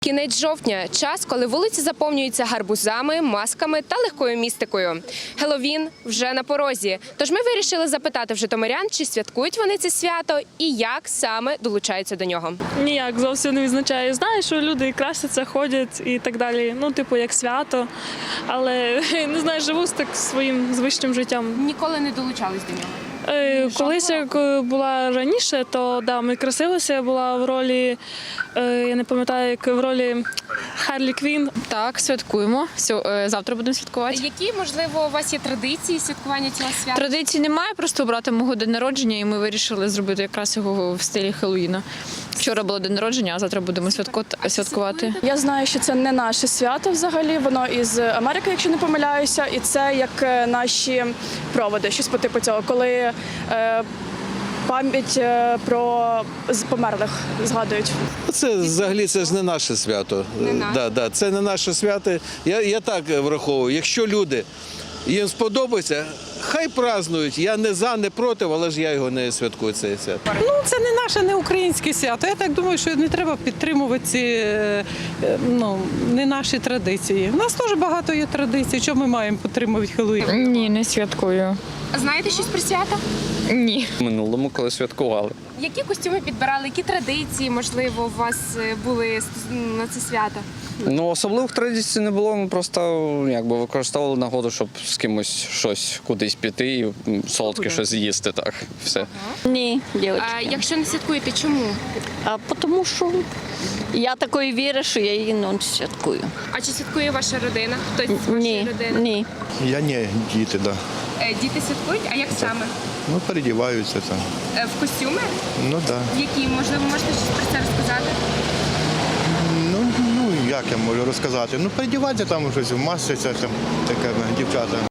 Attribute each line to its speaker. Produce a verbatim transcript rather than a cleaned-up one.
Speaker 1: Кінець жовтня – час, коли вулиці заповнюються гарбузами, масками та легкою містикою. Геловін вже на порозі. Тож ми вирішили запитати в житомирян, чи святкують вони це свято і як саме долучаються до нього.
Speaker 2: Ніяк зовсім не відзначаю. Знаю, що люди красяться, ходять і так далі. Ну, типу, як свято. Але, не знаю, живу з так своїм звичним життям.
Speaker 1: Ніколи не долучались до нього?
Speaker 2: Е, Колись, як була раніше, то да, ми красилися, я була в ролі, е, я не пам'ятаю, як в ролі Харлі Квін.
Speaker 3: Так, святкуємо. Сьо- е, Завтра будемо святкувати.
Speaker 1: Які, можливо, у вас є традиції святкування цього свята?
Speaker 3: Традицій немає, просто у брата мого день народження, і ми вирішили зробити якраз його в стилі Хеллоуіна. Вчора було день народження, а завтра будемо святко- святкувати.
Speaker 4: Я знаю, що це не наше свято взагалі, воно із Америки, якщо не помиляюся, і це як е, наші проводи, щось по типу цього, коли е, пам'ять е, про з- померлих згадують.
Speaker 5: Це взагалі це ж не наше свято.
Speaker 1: Не наше.
Speaker 5: Да, да, це не наше свято. Я, я так враховую. Якщо люди їм сподобається, хай празднують. Я не за, не проти, але ж я його не святкую це свято.
Speaker 6: Ну, це не наше, не українське свято. Я так думаю, що не треба підтримувати ці е, е, ну, не наші традиції. У нас теж багато є традицій. Чому ми маємо підтримувати Хеллоуін?
Speaker 3: Ні, не святкую.
Speaker 1: Знаєте щось про свято?
Speaker 3: Ні.
Speaker 7: В минулому, коли святкували.
Speaker 1: Які костюми підбирали, які традиції, можливо, у вас е, були стос- на це свято?
Speaker 7: Ну, особливих традицій не було, ми просто якби використовували нагоду, щоб з кимось щось кудись піти і м, солодке щось з'їсти, так, все.
Speaker 8: Ні, дівчатки.
Speaker 1: А якщо не святкуєте, чому?
Speaker 8: А тому що я такої віри, що я її не святкую.
Speaker 1: А чи святкує ваша родина? Хтось з вашої
Speaker 8: Ні,
Speaker 1: родини?
Speaker 8: ні.
Speaker 9: Я не діти, да.
Speaker 1: Е, Діти святкують, а як саме?
Speaker 9: Ну, передіваються там.
Speaker 1: Е, В костюми?
Speaker 9: Ну да.
Speaker 1: Які? Можливо, можете щось про це розказати?
Speaker 9: Ну, ну як я можу розказати? Ну, передіваються там щось, масляться там таке, дівчата.